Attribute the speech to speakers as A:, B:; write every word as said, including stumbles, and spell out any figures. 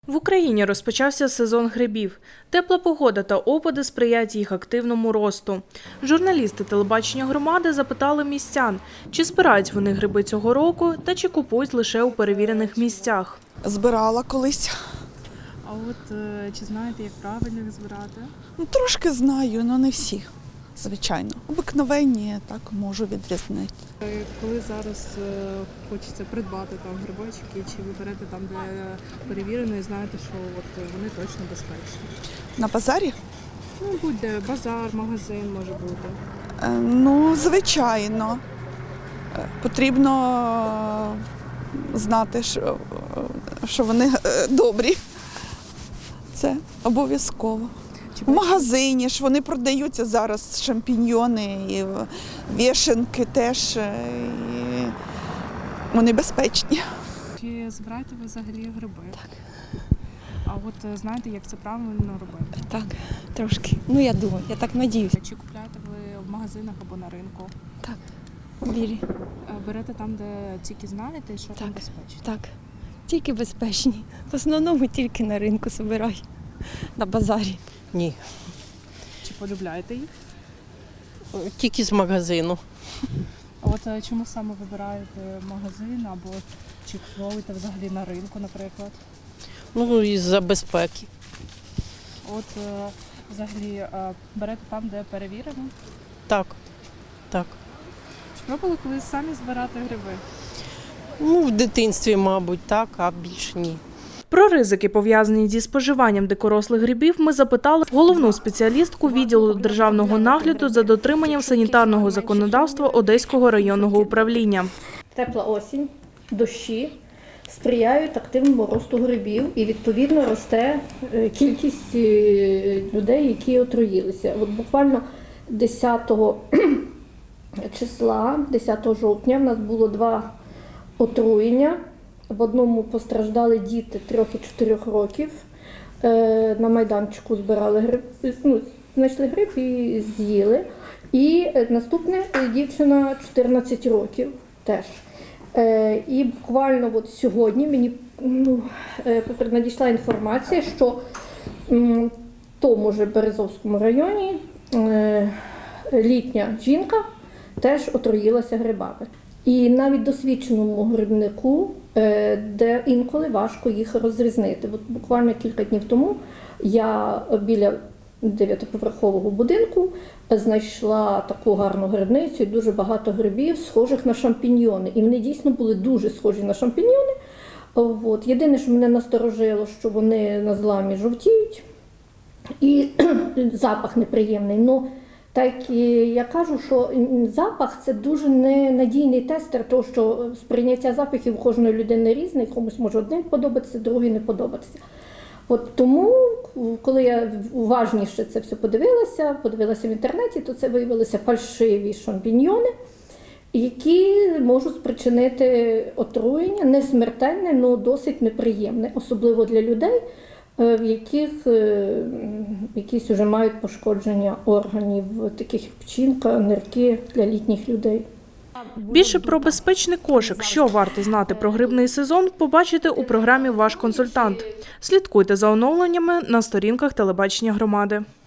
A: В Україні розпочався сезон грибів. Тепла погода та опади сприяють їх активному росту. Журналісти телебачення громади запитали містян, чи збирають вони гриби цього року та чи купують лише у перевірених місцях.
B: Збирала колись.
C: А от е, чи знаєте, як правильно їх збирати?
B: Ну, трошки знаю, але не всі, звичайно. Обикновенні так можу відрізнити.
C: Е, Коли зараз е, хочеться придбати там грибочки, чи ви берете там, де перевірено, і знаєте, що от вони точно безпечні?
B: На базарі?
C: Ну, будь-де базар, магазин може бути.
B: Е, Ну, звичайно. Е, Потрібно знати, що, що вони е, добрі. Це обов'язково. В магазині ж вони продаються зараз, шампіньйони, і вішенки теж. І вони безпечні.
C: Чи збираєте ви взагалі гриби? Так. А от е, знаєте, як це правильно робити?
D: Так, трошки. Ну, я думаю, я так надіюся.
C: Чи купляєте ви в магазинах або на ринку?
D: Так, вірі.
C: Е, Берете там, де тільки знаєте, що там
D: Так.
C: безпечно?
D: Так, тільки безпечні. В основному тільки на ринку збираю, на базарі.
E: Ні,
C: Чи полюбляєте їх?
E: тільки з магазину.
C: А от е, чому саме вибираєте магазин або чи купуєте взагалі на ринку, наприклад?
E: Ну, із-за безпеки.
C: От е, взагалі е, берете там, де перевірено?
E: Так, так.
C: Чи пробували колись самі збирати гриби?
E: Ну, в дитинстві, мабуть, так, а більше ні.
A: Про ризики, пов'язані зі споживанням дикорослих грибів, ми запитали головну спеціалістку відділу державного нагляду за дотриманням санітарного законодавства Одеського районного управління.
F: Тепла осінь, дощі сприяють активному росту грибів і, відповідно, росте е, кількість е, людей, які отруїлися. От буквально десятого числа, десятого жовтня, в нас було два отруєння. В одному постраждали діти трьох і чотирьох років. Е, На майданчику збирали гриб, ну, знайшли гриб і з'їли. І наступне дівчина чотирнадцять років теж. Е, І буквально от сьогодні мені ну, е, надійшла інформація, що м, в тому ж Березовському районі е, літня жінка теж отруїлася грибами. І навіть досвідченому грибнику, е, де інколи важко їх розрізнити. От буквально кілька днів тому я біля дев'ятиповерхового будинку знайшла таку гарну грибницю і дуже багато грибів, схожих на шампіньйони. І вони дійсно були дуже схожі на шампіньйони. От. Єдине, що мене насторожило, що вони на зламі жовтіють і запах неприємний. Но, так я кажу, що запах – це дуже ненадійний тестер, тому що сприйняття запахів у кожної людини різне, комусь може один подобатися, другий не подобатися. От тому, коли я уважніше це все подивилася, подивилася в інтернеті, то це виявилися фальшиві шампіньйони, які можуть спричинити отруєння, не смертельне, але досить неприємне, особливо для людей, в яких якісь вже мають пошкодження органів, таких як печінка, нирки для літніх людей.
A: Більше про безпечний кошик, що варто знати про грибний сезон, побачите у програмі «Ваш консультант». Слідкуйте за оновленнями на сторінках телебачення громади.